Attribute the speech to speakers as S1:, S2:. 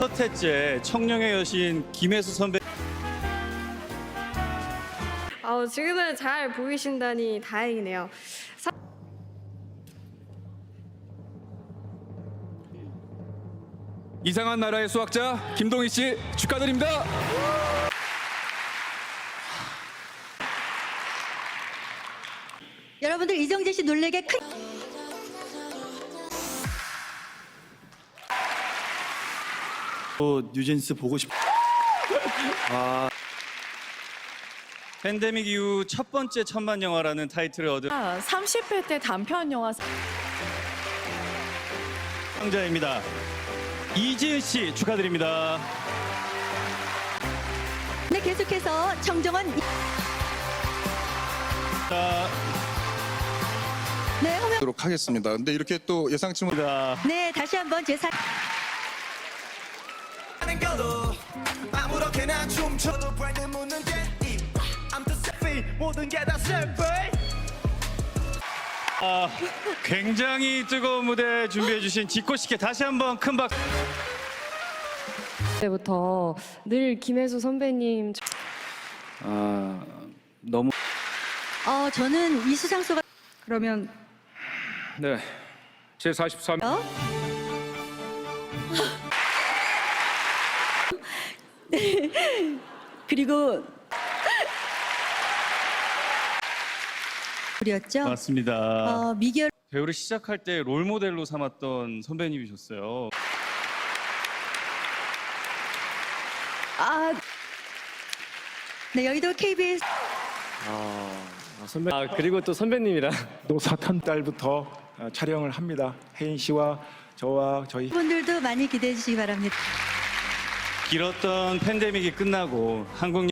S1: 첫 해째 청룡의 여신 김혜수 선배.
S2: 지금은 잘 보이신다니 다행이네요.
S3: 이상한 나라의 수학자 김동희 씨 축하드립니다.
S4: 여러분들 이정재 씨 놀래게 큰
S1: 뉴진스 보고 싶. 팬데믹 이후 첫 번째 천만 영화라는 타이틀을 얻은
S5: 30회 때 단편 영화
S1: 상자입니다. 이지은 씨 축하드립니다.
S4: 네, 계속해서 정정원
S1: 자,
S4: 네, 홍명
S6: 도록 하겠습니다. 근데 이렇게 또 예상치 못
S4: 네, 다시 한번 제
S7: 아무렇게나 춤춰도 브랜드 묻는 게 I'm the selfie 모든 게 다 selfie
S1: 굉장히 뜨거운 무대 준비해주신 지코씨께 다시 한번 큰 박수.
S2: 때부터 늘 김혜수 선배님
S1: 너무
S4: 저는 이 수상소가 그러면
S3: 네, 제 43.
S4: 그리고 우리였죠.
S1: 맞습니다.
S4: 미결
S1: 배우를 시작할 때 롤 모델로 삼았던 선배님이셨어요.
S4: 네, 여의도 KBS
S8: 그리고 또 선배님이랑
S9: 노사탄 달부터 촬영을 합니다. 혜인 씨와 저와 저희
S4: 분들도 많이 기대해 주시기 바랍니다.
S1: 길었던 팬데믹이 끝나고 한국